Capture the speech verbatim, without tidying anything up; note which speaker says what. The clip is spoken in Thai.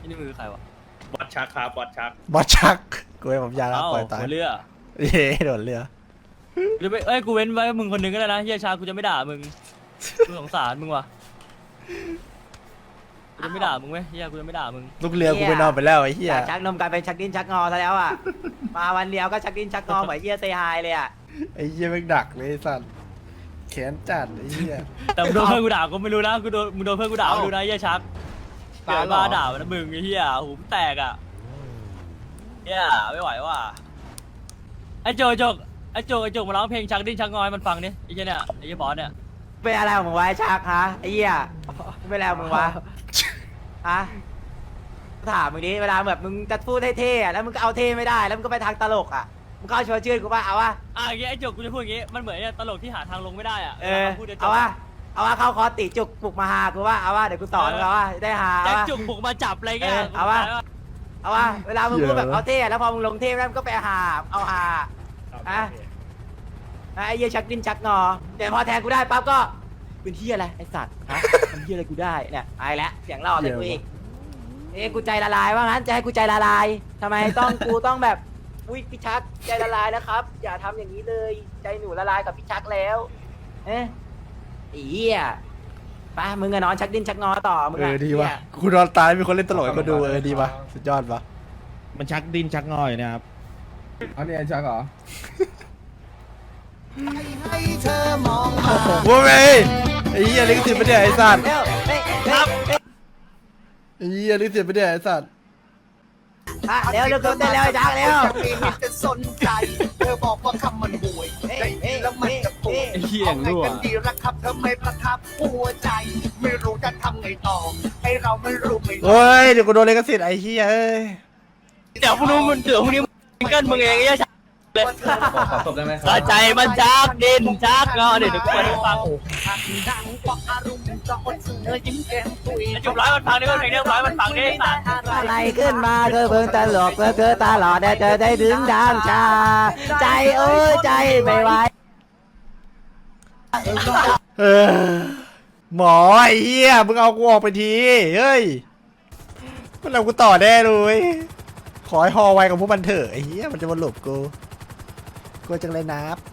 Speaker 1: นี่มือใครวะ
Speaker 2: บอดชักครับบอดชัก
Speaker 3: บอสชักกูให้ผมยาแล้ว
Speaker 1: เอ้า
Speaker 3: ปล่อยตาย
Speaker 1: หัวเรือ
Speaker 3: เย้โดนเรือ
Speaker 1: หรือไปเอ้ยกูเว้นไว้มึงคนหนึงก็ได้นะเฮียชากูจะไม่ด่ามึงกูสงสารมึงว่ะกูจะไม่ด่ามึงไหมเฮียกูจะไม่ด่ามึง
Speaker 3: ลูกเรือกูไปนอนไปแล้วไอ้เหี้ย
Speaker 4: จากชักนมกลายเป็นชักดิ้นชักงอซะแล้วอ่ะ มาวันเดียวก็ชักดิ้นชักงอเหมือนเยี่ยเซฮายเลยอ่ะ
Speaker 3: ไอ้เหี้ยแม่งดักเลยไอ้สัตว์แขนจัดไอ้เหี้ย
Speaker 1: แต่มึงโดนเพื่อนกูด่าก็ไม่รู้นะกูโดนมึงโดนเพื่อนกูด่าไม่รู้นะเฮียชักเกิดมาด่ามันนะมึงไอ้เฮียหูมันแตกอ่ะเฮียไม่ไหวว่ะไอ้โจโจกไอ้โจกไอ้โจกมาร้องเพลงชักดิ้นชักงอยมันฟังดิไอ้เหี้ยเนี่ยไอ้เหี้ยบอสเนี่ย
Speaker 4: เป็นอะไรของมึงวะไอ้ชักฮะไอ้เหี้ยเป็นอะไรของมึงวะฮะถามมึงดิเวลาแบบมึงจะพูดเท่ๆอะแล้วมึงก็เอาเท่ไม่ได้แล้วมึงก็ไปทางตลกอ่ะมึงก็เอาชวนชื่นกูป่ะเอาวะ
Speaker 1: อ่ะอย่างเงี้ยไอ้โจกกูจะพูดอย่างงี้มันเหมือนเนี่ยตลกที่หาทางลงไม่ได้อ่ะ
Speaker 4: เออ
Speaker 1: วลพูดนี่ย
Speaker 4: เอาวะเอาวะเข้าคอร์สติจุกปลุกมาหากูว่าเอาวะเดี๋ยวกูสอนมึงเอาวะได้หาเอา
Speaker 1: แจ็คว
Speaker 4: ะ
Speaker 1: จุกบุกมาจับอะไรเงี้ย
Speaker 4: เออเอาวะ เอาวะเวลามึงพูดแบบเอาเท่แล้วพอมึงลงเท่แล้วมึงก็ไปหาเอาหา อ่ะ ไอ้เหี้ยชักดิ้นชักงอแต่พอแทนกูได้ปั๊บก็เป็นเหี้ยอะไรไอ้สัตว์ฮะทำเหี้ยอะไรกูได้เนี่ยไอ้แล้วเสียงหล่อเลยกูอีกเอ้กูใจละลายว่างั้นจะให้กูใจละลายทำไมต้องกูต้องแบบอุ้ยพี่ชักใจละลายแล้วครับ อย่าทำอย่างนี้เลย ใจหนูละลายกับพี่ชักแล้วเอ๊ะไอ้เหี้ยไปมึงอะนอนชักดิ้นชักงอต่อมึง
Speaker 3: เอ
Speaker 4: อะ
Speaker 3: อดีว่ะ
Speaker 4: เหี้ย
Speaker 3: กูนอนตายมีคนเล่นตลกให้กูดูเออดีว่ะสุดยอดว่ะ
Speaker 2: มันชักดินชักงอยนะครับ
Speaker 5: เอาเนี่ยชักเหรอ
Speaker 3: โว้ยไอ้เหี้ยลิขสิทธิ์ไม่ได้ไอ้สัตว์
Speaker 4: เร็วเฮ้ยครับ
Speaker 3: ไอ้เหี้ยลิขสิทธิ์ไม่ได้ไอ้สัตว์
Speaker 4: อ่ะเร็วเร็วเร็วเต้นเร็วไอ้ชักเร็ว
Speaker 6: จะสนใจเธอบอกว่าคำมันห่วยได้ยินแล้วมันจะปวด
Speaker 1: ไอ้เหี้ย
Speaker 6: เอาไง
Speaker 1: รั่ว
Speaker 6: กันดีละครับเธอไม่ประทับหัวใจ ไม่รู้จะทำไงต่อให้เราไม่รู้ไม่รู้
Speaker 3: เฮ้ยเดี๋ยวกูโดนลิขสิทธิ์ไอ้เหี้ยเอ้ย
Speaker 1: เดี๋ยวพรุ่งนี้มึงเดี๋ยวพรุ่งนี้มึงเกินมึงเองไอ้เหี้ยชักเลย
Speaker 5: ขอขอตบได้ไหมค
Speaker 1: ก
Speaker 5: รั
Speaker 1: ระใจมันชักดิ้นชักงอเดี๋ยวเดี๋ยวกูไปให้ฟัง
Speaker 6: ดังกว่าอารมณ์จะอดเสือยิ้มแก้มตุย
Speaker 1: ไอ้จุบร้อยมันฟังดิเพลงเนี้ยร้อยมันฟังดิไอ้สัตว์
Speaker 4: อะไรขึ้นมาเธอเพิ่งตลกเธอเธอตลอดแต่เธอได้ถึงทางชา ใจเอ้ยใจไม่ไหว
Speaker 3: เออหมอไอ้เหี้ยมึงเอากูออกไปทีเฮ้ยมันเอากูต่อแน่เลยขอให้ฮอไวกับพวกมันเถอะไอ้เหี้ยมันจะมาหลบกูกูจังเลยนับ